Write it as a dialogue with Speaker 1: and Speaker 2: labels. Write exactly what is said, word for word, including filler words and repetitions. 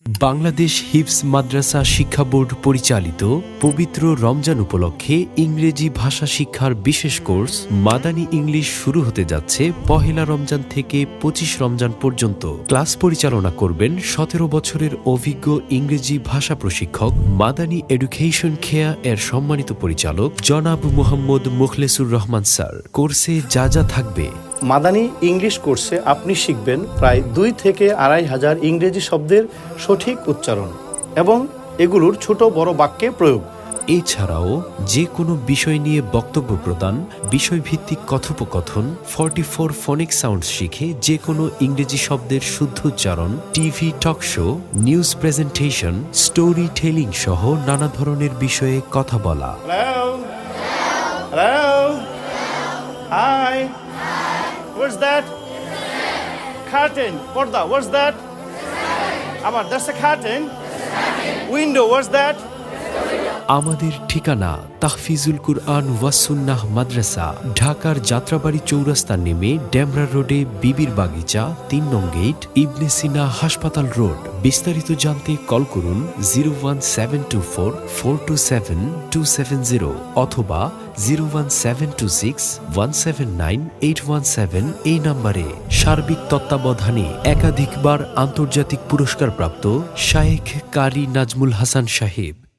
Speaker 1: বাংলাদেশ হিফজ মাদ্রাসা শিক্ষা বোর্ড পরিচালিত পবিত্র রমজান উপলক্ষে ইংরেজি ভাষা শিক্ষার বিশেষ কোর্স মাদানী ইংলিশ শুরু হতে যাচ্ছে পহেলা রমজান থেকে পঁচিশ রমজান পর্যন্ত। ক্লাস পরিচালনা করবেন সতেরো বছরের অভিজ্ঞ ইংরেজি ভাষা প্রশিক্ষক মাদানী এডুকেশন খেয়া এর সম্মানিত পরিচালক জনাব মোহাম্মদ মুখলেসুর রহমান স্যার। কোর্সে যা যা থাকবে:
Speaker 2: মাদানী ইংলিশ কোর্সে আপনি শিখবেন প্রায় দুই থেকে আড়াই হাজার ইংরেজি শব্দের সঠিক উচ্চারণ এবং এগুলোর ছোট বড় বাক্যে প্রয়োগ।
Speaker 1: এছাড়াও যে কোনো বিষয় নিয়ে বক্তব্য প্রদান, বিষয়ভিত্তিক কথোপকথন, ফর্টি ফোর ফনিক সাউন্ড শিখে যে কোনো ইংরেজি শব্দের শুদ্ধ উচ্চারণ, TV talk show, news presentation, storytelling সহ নানা ধরনের বিষয়ে কথা বলা।
Speaker 2: Hello? Hello? Hi? What's that? Curtain. Porda. What's that? Amar, that's a curtain. Window. What's that?
Speaker 1: আমাদের ঠিকানা তাহফিজুল কুরআন ওয়াসুন্নাহ মাদ্রাসা, ঢাকার যাত্রাবাড়ি চৌরাস্তা নেমে ডেমরা রোডে বিবির বাগিচা, তিন নং গেট, ইবনে সিনা হাসপাতাল রোড। বিস্তারিত জানতে কল করুন zero one seven two four four two seven two seven zero অথবা zero one seven two six one seven nine eight one seven এই নম্বরে। সার্বিক তত্ত্বাবধানে একাধিকবার আন্তর্জাতিক পুরস্কারপ্রাপ্ত শায়েখ কারি নাজমুল হাসান সাহেব।